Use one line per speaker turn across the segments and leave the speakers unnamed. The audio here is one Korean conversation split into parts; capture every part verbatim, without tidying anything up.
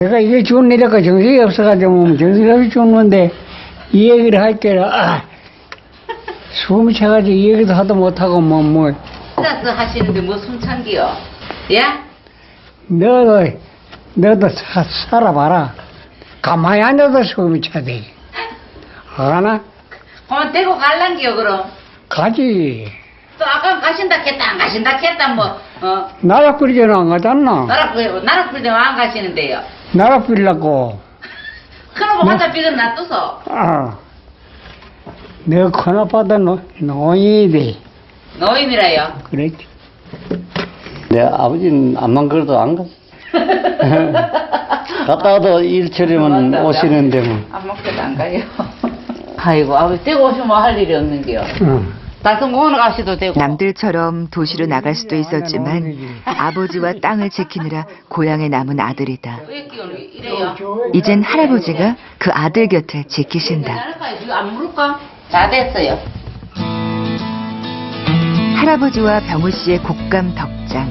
내가 이게 죽은 일이니까 정신이 없어가지고 정신이 없이 죽는데 이 얘기를 할 때는 아, 숨이 차가지고 이 얘기도 하도 못하고 뭐 뭐.
혼자서 하시는데 뭐 숨찬기요? 예?
너도 너도 사, 살아봐라. 가만히 앉아도 숨이 차대. 알아나?
그럼 대고 갈란기요 그럼?
가지.
또 아까 가신다 했다 안 가신다 했다 뭐 어?
나락 부리지는 안 가잖아.
나락 부리고 나락 부리면 안 가시는데요.
나락 부리려고.
그럼 혼자 삐근 놔둬서
아. 너 큰아빠도 노인이 돼.
노인이라요.
그랬지. 내 아버지는 암만 그래도 안 갔어. 갔다 와도 일처리면 오시는데 뭐.
안 먹혀도 안 가요. 아이고 아버지 떼고 오시면 할 일이 없는 게요.
응.
달성공원 가시도 되고.
남들처럼 도시로 나갈 수도 있었지만 아버지와 땅을 지키느라 고향에 남은 아들이다.
왜 끼우는 게 이래요?
이젠 할아버지가 그 아들 곁을 지키신다.
괜찮을까요? 이거 안 물을까? 다 됐어요.
할아버지와 병우 씨의 곡감 덕장.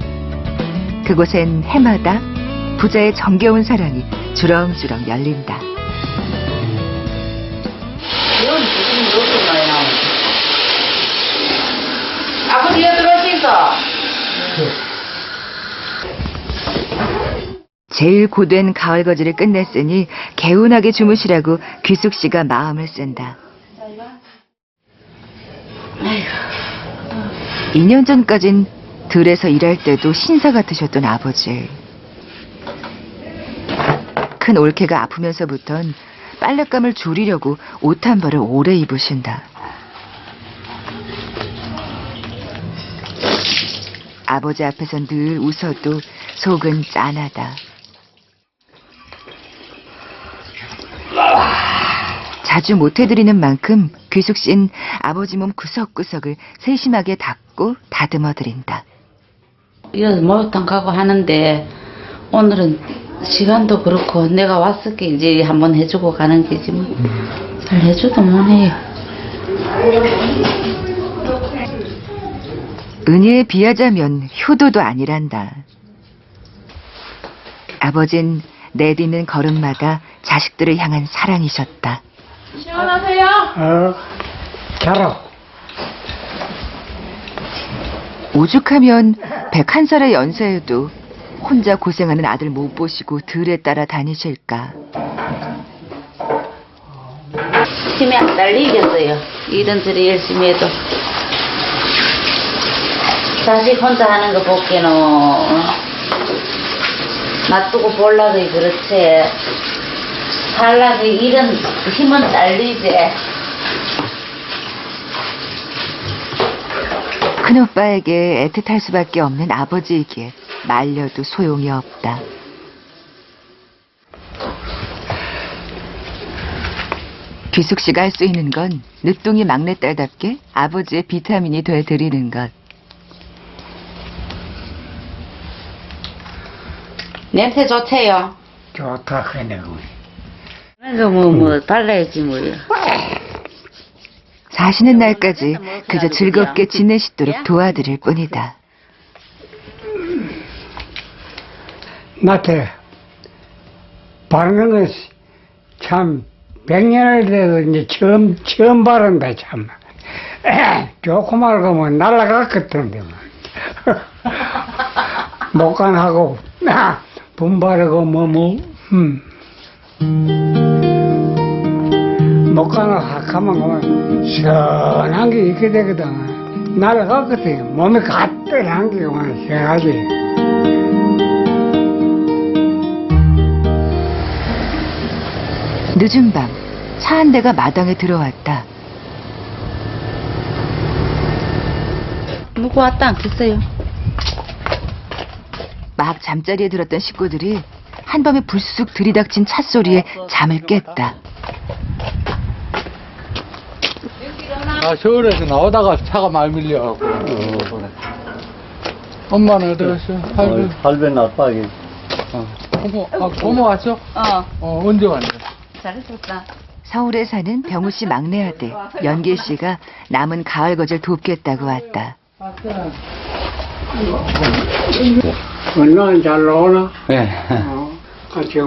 그곳엔 해마다 부자의 정겨운 사랑이 주렁주렁 열린다.
이건 무슨 무엇인가요? 아버지 여기 들어오시소.
제일 고된 가을 거지를 끝냈으니 개운하게 주무시라고 귀숙 씨가 마음을 쓴다. 이 년 전까진 들에서 일할 때도 신사 같으셨던 아버지. 큰 올케가 아프면서부턴 빨랫감을 줄이려고 옷 한 벌을 오래 입으신다. 아버지 앞에선 늘 웃어도 속은 짠하다. 자주 못해드리는 만큼 귀숙 씨는 아버지 몸 구석구석을 세심하게 닦고 다듬어드린다.
이거 목욕탕 가고 하는데 오늘은 시간도 그렇고 내가 왔을 게 이제 한번 해주고 가는 게지 뭐. 잘 해줘도 뭐해요.
은혜에 비하자면 효도도 아니란다. 아버진 내딛는 걸음마다 자식들을 향한 사랑이셨다.
시원하세요?
어, 자라.
오죽하면 백한 살의 연세에도 혼자 고생하는 아들 못 보시고 들에 따라 다니실까.
힘이 안 딸리겠어요. 일은 저리 열심히 해도. 자식 혼자 하는 거 보기에는 어? 놔두고 볼라고 그렇지. 살라고 일은 힘은 딸리지.
큰오빠에게 애틋할 수밖에 없는 아버지에게 말려도 소용이 없다. 귀숙 씨가 할 수 있는 건 늦둥이 막내딸답게 아버지의 비타민이 돼드리는 것.
냄새 좋대요.
좋다 그네.
그래서 뭐, 뭐, 발라야지 뭐요.
사시는 날까지 그저 즐겁게 지내시도록 도와드릴 뿐이다.
나한테 바르는 건참 백년을 돼도 이제 처음 처음 바른다 참. 좋고 말고 뭐 날라갔거든데 뭐. 목간하고 분바르고 뭐 뭐. 음. 목간을 확 하면 그만 시원한 게 있게 되거든. 날아갔거든. 몸이 가뜩한 게 그만 시원하지.
늦은 밤 차 한 대가 마당에 들어왔다.
누구 왔다 않겠어요?
막 잠자리에 들었던 식구들이 한밤에 불쑥 들이닥친 찻소리에 잠을 깼다.
아, 서울에서 나오다가 차가 많이 밀려갖고. 어. 엄마는 어디 갔어? 할배.
할배 나빠게.
어. 고모, 아, 고모 왔어?
어,
어, 언제 왔냐?
잘했었다.
서울에 사는 병우 씨 막내 아들 연길 씨가 남은 가을 거절 돕겠다고 왔다.
건너는 잘 나오나?
네.
어, 같이